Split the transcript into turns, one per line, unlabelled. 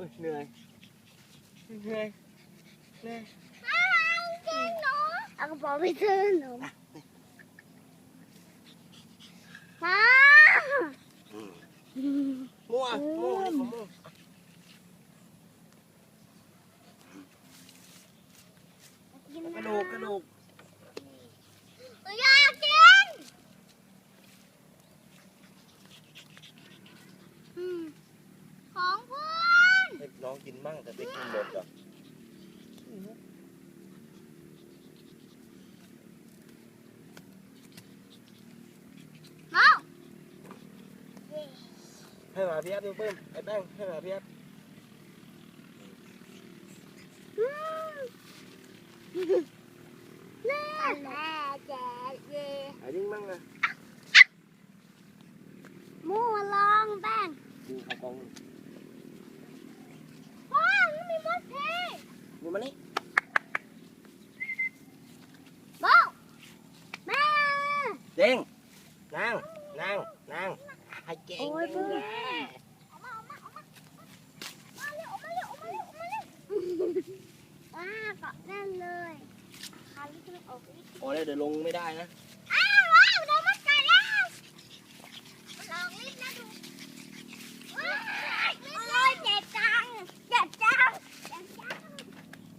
เหนื่อยเหนื่อยเหนื่อย
จริงหนูเอากระเป๋าไปซื้อหนูมา
มั่วมั่วมั่วกระดูกกระดูก
อยากกินของเพื่อน
ให้น้องกินบ้างแต่ไปกินหมดเหรอ
น้อง
ให้มาพี่แอ๊บดูเพิ่มไอ้แป้งให้มาพี่แอ๊บ
แม่แจ๊เย่
หายดิ้งบ้างนะ
มูลองแป้ง
ดูเขากอง
ว้าวมีมดเท
ดูมานี่
บ้าวแม่
เด้งนางให้เก่ง
โอ้ย
จังเลย
ออกมาเร็วว้าเกาะแน่นเลยคาลิจะไม่ออก
โอ้ยเดี๋ยวลงไม่ได้นะ
เ